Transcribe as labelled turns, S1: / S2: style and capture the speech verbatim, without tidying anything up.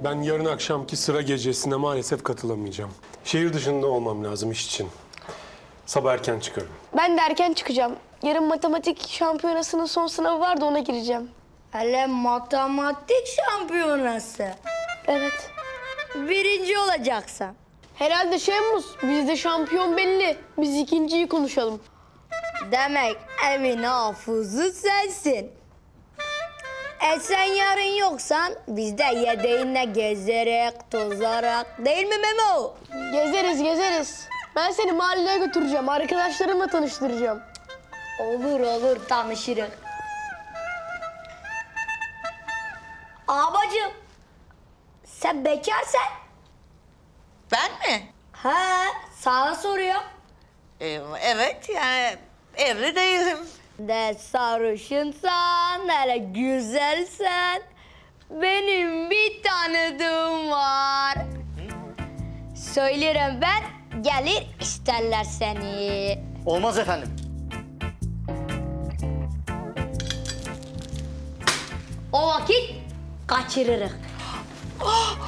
S1: Ben yarın akşamki sıra gecesine maalesef katılamayacağım. Şehir dışında olmam lazım iş için. Sabah erken çıkarım.
S2: Ben de erken çıkacağım. Yarın matematik şampiyonasının son sınavı var da ona gireceğim.
S3: Hele matematik şampiyonası.
S2: Evet.
S3: Birinci olacaksın.
S2: Herhalde Şemus, bizde şampiyon belli. Biz ikinciyi konuşalım.
S3: Demek evin hafızı sensin. E sen yarın yoksan biz de yedeğinle gezerek, tozarak değil mi Memo?
S2: Gezeriz, gezeriz. Ben seni mahalleye götüreceğim. Arkadaşlarımla tanıştıracağım.
S3: Olur olur tanışırız. Abacığım sen bekarsın.
S4: Ben mi?
S3: He sana soruyor.
S4: Ee, evet yani evli değilim.
S3: De sarışınsan, hele güzelsen. Benim bir tanıdığım var. Söylerim ben, gelir isterler seni.
S5: Olmaz efendim.
S3: O vakit kaçırırız.
S4: Oh,